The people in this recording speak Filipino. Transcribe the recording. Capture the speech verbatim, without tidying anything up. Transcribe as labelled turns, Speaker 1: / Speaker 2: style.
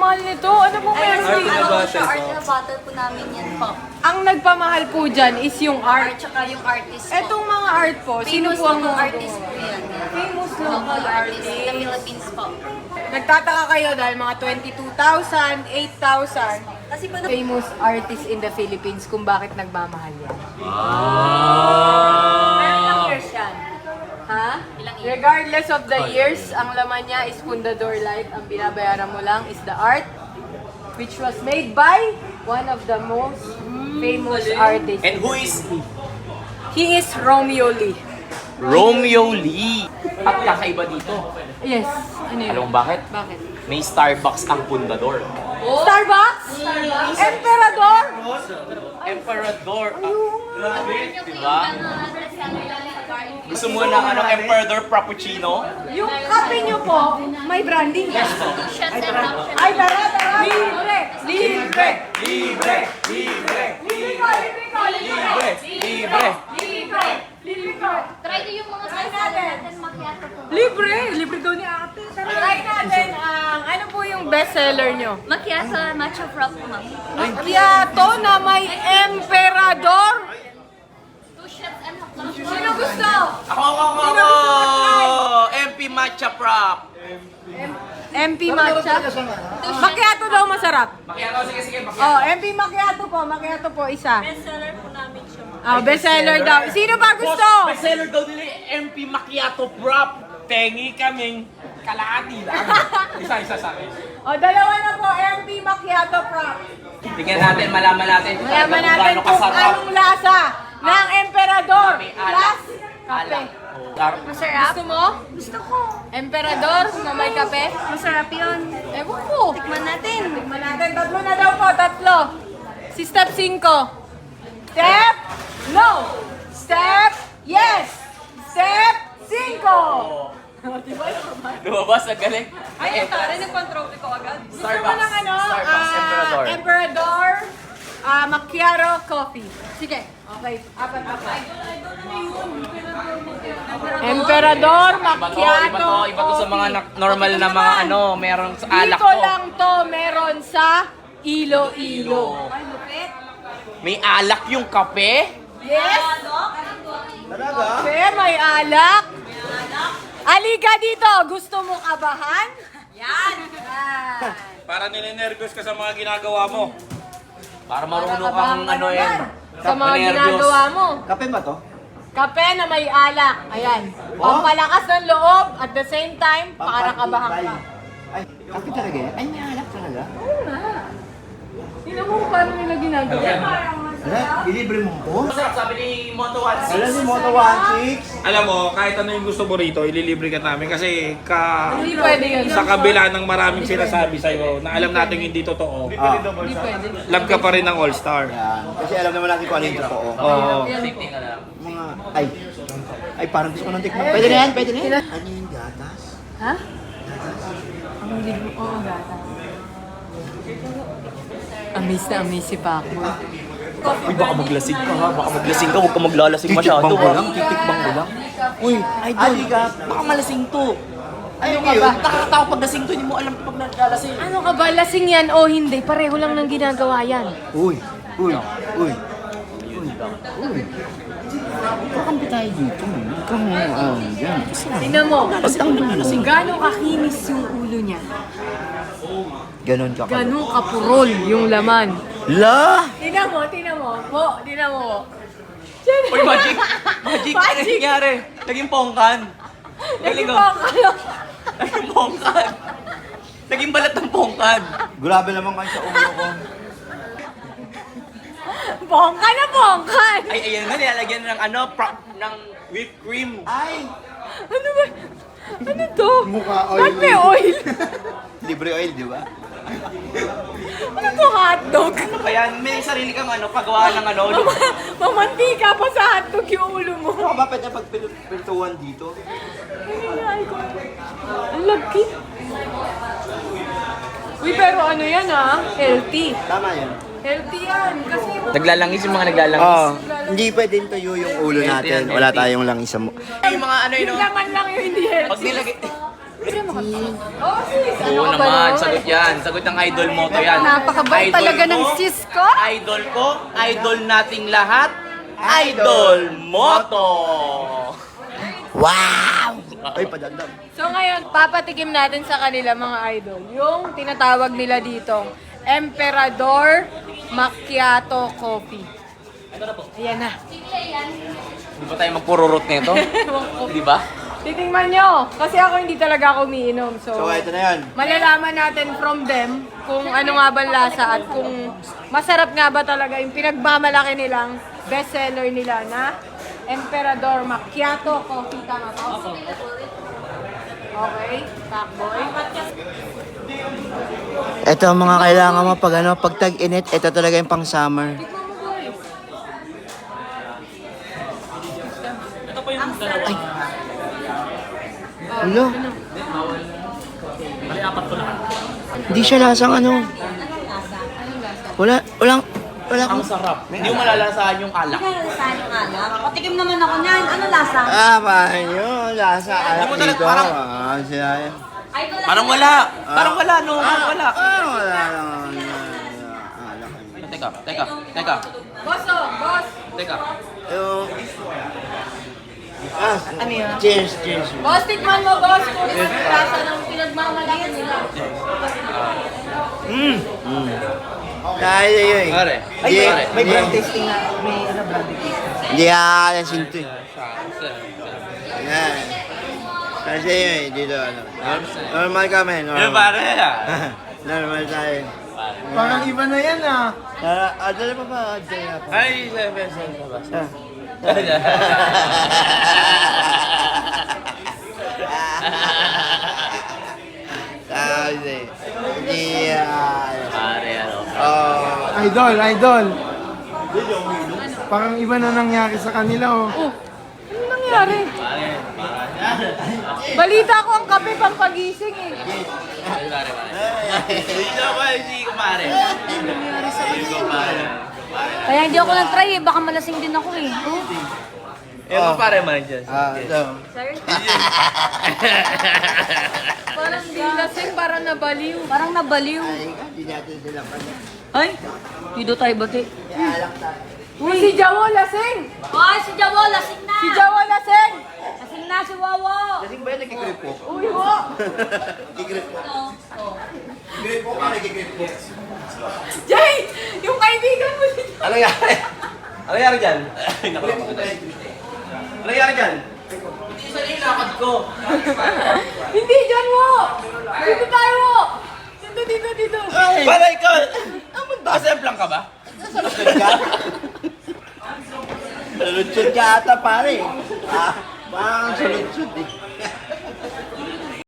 Speaker 1: mahal nito. Ano po meron
Speaker 2: Art
Speaker 1: dito?
Speaker 2: na
Speaker 3: Ano
Speaker 2: butter
Speaker 3: siya,
Speaker 2: po.
Speaker 3: art na bottle po namin yan po.
Speaker 1: Ang nagpamahal po dyan is yung
Speaker 3: Art,
Speaker 1: art.
Speaker 3: tsaka yung artist po.
Speaker 1: Etong mga art po, sino
Speaker 3: Famous
Speaker 1: po ang
Speaker 3: local
Speaker 1: mga
Speaker 3: artist po yan.
Speaker 1: Famous
Speaker 3: Local
Speaker 1: local
Speaker 3: artist in the
Speaker 1: artist.
Speaker 3: Philippines po.
Speaker 1: Nagtataka kayo dahil mga twenty-two thousand, eight thousand.
Speaker 3: Kasi po na...
Speaker 1: Famous artist in the Philippines kung bakit nagmamahal yan.
Speaker 2: Ah!
Speaker 3: years yan.
Speaker 1: Ha?
Speaker 3: Ilang years?
Speaker 1: Regardless of the years, ang laman niya is Fundador Light. Ang binabayaran mo lang is the art, which was made by one of the most famous artists.
Speaker 2: And who is
Speaker 1: He is Romeo Lee.
Speaker 2: Romeo Lee? At kakaiba dito.
Speaker 1: Yes. Ano yun?
Speaker 2: Alam mo bakit?
Speaker 1: Bakit?
Speaker 2: May Starbucks ang pundador.
Speaker 1: Starbucks? Emperador?
Speaker 2: Emperador. Diba? Gusto mo ng ano, Emperador Frappuccino?
Speaker 1: Yung kape niyo po, may branding yan. Ay, tara, tara. Libre! Libre!
Speaker 2: Libre! Libre!
Speaker 1: Libre ko, libre ko,
Speaker 2: Libre! Libre!
Speaker 1: Libre! Libre ko.
Speaker 3: Try ko yung mga sauce natin macchiato po.
Speaker 1: Libre! Libre daw ni ate. Try natin ang, ano po yung bestseller nyo?
Speaker 3: Macchiato matcha frap po ma'am.
Speaker 1: Macchiato na may Emperador.
Speaker 3: Two shots and half lang.
Speaker 1: Sino gusto?
Speaker 2: Ako, ako, ako,
Speaker 1: Sino
Speaker 2: ako!
Speaker 1: gusto mag-try?
Speaker 2: M P Matcha Prop!
Speaker 1: M P Matcha? Macchiato daw masarap.
Speaker 2: Macchiato, sige, sige.
Speaker 1: Oh, M P Macchiato po. Macchiato po, isa.
Speaker 3: Bestseller po namin siya ma'am.
Speaker 1: Oh, bestseller daw. Sino ba gusto?
Speaker 2: Boss, bestseller daw nila yung M P Macchiato Prop. Tengi kaming kalahati lang. Isa-isa sa akin.
Speaker 1: Oh, dalawa na po, M P Macchiato Prop.
Speaker 2: Tingnan natin, malaman natin.
Speaker 1: Malaman
Speaker 2: kung
Speaker 1: natin
Speaker 2: gaano
Speaker 1: kung
Speaker 2: kasarap.
Speaker 1: anong lasa ng Emperador
Speaker 2: May alak.
Speaker 1: plus kape.
Speaker 2: Alak. Dar-
Speaker 1: Masarap? Gusto mo?
Speaker 3: Gusto ko.
Speaker 1: Emperador na may kape?
Speaker 3: Masarap yun.
Speaker 1: Ewan ko.
Speaker 3: Tikman natin.
Speaker 1: Tikman natin. Tatlo na daw po, tatlo. Si step five. Step no. Step yes. Step five.
Speaker 2: Lumabas, ang galing.
Speaker 1: Ay, ito. Nag-control ko agad. Gusto mo
Speaker 2: Starbucks.
Speaker 1: ng ano?
Speaker 2: Starbucks,
Speaker 1: ah,
Speaker 2: Emperador.
Speaker 1: Emperador ah, Macchiato Coffee. Sige. Okay. Apat, apat. Emperador
Speaker 2: Iba to,
Speaker 1: Macchiato
Speaker 2: iba to, iba to sa mga
Speaker 1: Coffee.
Speaker 2: na- normal
Speaker 1: Ito
Speaker 2: na mga
Speaker 1: naman.
Speaker 2: ano, meron sa alak
Speaker 1: Dito
Speaker 2: to.
Speaker 1: lang to meron sa Iloilo. Ay, lupit.
Speaker 2: May alak yung kape?
Speaker 1: Yes? Kape, may alak. Alika dito. Gusto mo kabahan? Yan. Yan.
Speaker 4: Para ninenervyos ka sa mga ginagawa mo.
Speaker 2: Para marunong
Speaker 1: Kabahan
Speaker 2: kang
Speaker 1: ka
Speaker 2: ano
Speaker 1: naman
Speaker 2: yan.
Speaker 1: Sa mga
Speaker 2: Nervyos.
Speaker 1: ginagawa mo.
Speaker 5: Kape ba to?
Speaker 1: Kape na may alak. Ayan. Pampalakas ng loob at the same time, para kabahan ka.
Speaker 5: Ay, kape talaga yan? Ay, may alak talaga.
Speaker 1: Sino mo paano nila ginagawa?
Speaker 5: Ala, ilibre mo ko?
Speaker 2: Masarap, sabi ni Moto one six.
Speaker 5: Alam si Moto one six.
Speaker 4: Alam mo, kahit ano yung gusto mo rito, ililibre ka namin kasi ka
Speaker 1: Hindi pwede yun.
Speaker 4: sa kabila ng maraming sinasabi sa'yo na alam natin hindi totoo,
Speaker 5: Ah,
Speaker 1: Hindi pwede.
Speaker 4: love ka pa rin ng All-Star.
Speaker 5: yan. Kasi alam naman natin kung ano yung totoo.
Speaker 4: Oo.
Speaker 2: Safety ka lang.
Speaker 5: Mga, ay, ay parang gusto ko nang tikman. Pwede na yan, pwede na yan. Ano yung gatas?
Speaker 1: Ha? Ang hindi mo, oo, gata. Amaze na amaze si Paco.
Speaker 2: Uy, baka maglasing ka ha. Baka maglasing ka, huwag ka maglalasing masyado.
Speaker 5: Titikbang ko
Speaker 2: ha?
Speaker 5: lang, titikbang ko lang.
Speaker 2: Uy, idol,
Speaker 5: Halika.
Speaker 2: baka malasing to.
Speaker 5: Ano
Speaker 1: ka ba?
Speaker 2: Nakakatawa pag lasing to, hindi mo alam pag naglalasing.
Speaker 1: Ano ka ba? Lasing yan o hindi? Pareho lang ng ginagawa yan.
Speaker 5: Uy, uy, uy. Uy, uy. Kakampi tayo dito. Huwag kang, ah, yan.
Speaker 1: Tingnan mo, kung gano'ng kakinis yung ulo niya,
Speaker 5: Ganon ka.
Speaker 1: gano'ng kapurol yung laman.
Speaker 5: La!
Speaker 1: Tingnan mo, tingnan mo. Po, tingnan mo.
Speaker 2: Uy, magic! Magic! Ano
Speaker 1: Magic!
Speaker 2: nangyari? Naging pongkan. Galing
Speaker 1: Naging
Speaker 2: oh.
Speaker 1: po kayo.
Speaker 2: Naging pongkan. Naging balat ng pongkan.
Speaker 5: Grabe naman kayo sa ulo ko.
Speaker 1: Bongka na bongkan.
Speaker 2: Ay, ayan nga, nilalagyan ng ano, prop, ng whipped cream.
Speaker 5: Ay!
Speaker 1: Ano ba? Ano to?
Speaker 5: Mukha oil.
Speaker 1: Ba't may oil?
Speaker 5: Libre oil, di ba?
Speaker 1: Ano to hotdog?
Speaker 2: Ano ba yan? May sarili kang ano, pagawa ng ano.
Speaker 1: Mama- Mamantika pa sa hotdog yung ulo mo.
Speaker 5: Ano ba pwede pagpiltuan dito?
Speaker 1: Ay, ko. Ang lagi. Uy, pero ano yan ah? Healthy.
Speaker 5: Tama yan.
Speaker 1: Healthy yan. Kasi
Speaker 2: Naglalangis yung mga naglalangis.
Speaker 5: Oo. Hindi pwedeng tuyo yung ulo
Speaker 2: Healthy
Speaker 5: natin.
Speaker 2: yan,
Speaker 5: Wala
Speaker 2: healthy.
Speaker 5: tayong langis sa mu...
Speaker 2: Yung mga ano yun,
Speaker 1: yung
Speaker 2: no?
Speaker 1: laman lang yung hindi healthy.
Speaker 2: Pag nilagay,
Speaker 1: Oh, sis! Ano
Speaker 2: Oo
Speaker 1: ka ba
Speaker 2: naman,
Speaker 1: naman?
Speaker 2: sagot yan. Sagot ng idol mo to yan.
Speaker 1: Napakabait
Speaker 2: Idol
Speaker 1: talaga ng
Speaker 2: ko,
Speaker 1: sis ko.
Speaker 2: Idol ko, idol nating lahat, Idol Moto!
Speaker 5: Ay, padagdag.
Speaker 1: So ngayon, papatikim natin sa kanila mga idol, yung tinatawag nila dito, Emperador Macchiato Coffee. Ayan na.
Speaker 2: Di ba tayo magpururot nito? Di ba?
Speaker 1: Titingnan nyo, kasi ako hindi talaga ako umiinom. So,
Speaker 5: So, ito na yun.
Speaker 1: malalaman natin from them kung ano nga ba ang lasa at kung masarap nga ba talaga yung pinagmamalaki nilang bestseller nila na Emperador Macchiato Coffee. Tama po? Okay, takboy.
Speaker 5: Ito ang mga kailangan mo pag ano, pag tag-init, ito talaga yung pang summer.
Speaker 1: Tikman mo, boys.
Speaker 5: Ulo. Hindi siya lasang ano. Wala, walang, wala
Speaker 2: Ang
Speaker 5: kang...
Speaker 2: sarap. Hindi mo malalasahan yung alak.
Speaker 3: Saan yung alak? Patikim naman ako niyan. Ano lasa?
Speaker 5: Ah, paano yun? Lasa alak
Speaker 2: mo talaga
Speaker 5: dito.
Speaker 2: parang-
Speaker 5: Ah, siya.
Speaker 3: Idol
Speaker 2: Parang wala. Parang wala, no? Parang wala.
Speaker 5: Ah, wala naman. Alak.
Speaker 2: Teka, teka, teka,
Speaker 1: Boss, oh, boss.
Speaker 2: teka.
Speaker 5: Yung... Ah, ano yun? Cheers, cheers.
Speaker 1: Boss, tikman mo, boss, kung ano yung lasa ng pinagmamalaki nila.
Speaker 5: Mm. Dahil yun eh.
Speaker 2: Pare.
Speaker 5: Ay,
Speaker 2: pare.
Speaker 5: may brand tasting na. May brand tasting. Hindi aalasin to eh. Yan. Kasi yun eh, dito ano. Normal kami, normal.
Speaker 2: Yung pare.
Speaker 5: Normal tayo.
Speaker 6: Parang iba na yan ah.
Speaker 5: Ah, ah, dala pa ba? Dala pa.
Speaker 2: Ay, sabi, sabi, sabi.
Speaker 5: Ah. Sabi. Hindi ah.
Speaker 2: Pare, ano.
Speaker 5: Oh.
Speaker 6: Idol, idol. Parang iba na nangyari sa kanila oh.
Speaker 1: Oh, ano nangyari? Balita ko ang kape pang pagising eh.
Speaker 2: Pare, pare, pare. Hindi ako, hindi ko pare. Hindi ko pare.
Speaker 3: Kaya hindi ako nag-try eh. Baka malasing din ako eh.
Speaker 2: Yung oh. Pare man dyan.
Speaker 5: Ah, ito.
Speaker 1: Parang di lasing, parang nabaliw.
Speaker 3: Parang nabaliw.
Speaker 5: Ay, hindi natin sila pa.
Speaker 3: Ay, hindi tayo bati.
Speaker 5: Alak tayo.
Speaker 1: Uy, si Jawo lasing!
Speaker 3: Ay, si Jawo, lasing na!
Speaker 1: Si Jawo lasing!
Speaker 3: Lasing na si Wawo!
Speaker 5: Lasing ba yun? Nagkigrip po?
Speaker 1: Uy, ho!
Speaker 5: Nagkigrip po. Nagkigrip po ka, nagkigrip po.
Speaker 1: Jay! Yung kaibigan mo si
Speaker 2: Ano nangyari? Ano nangyari dyan? Ay, naku, naku. Ano nangyari dyan? Hindi isa yung lakad ko.
Speaker 1: Hindi, dyan mo! Dito tayo mo! Dito, dito, dito.
Speaker 2: Pare, ikaw! Asemplang ka ba?
Speaker 5: Salutsod ka? Salutsod ka ata pare. Ah, parang salutsod eh.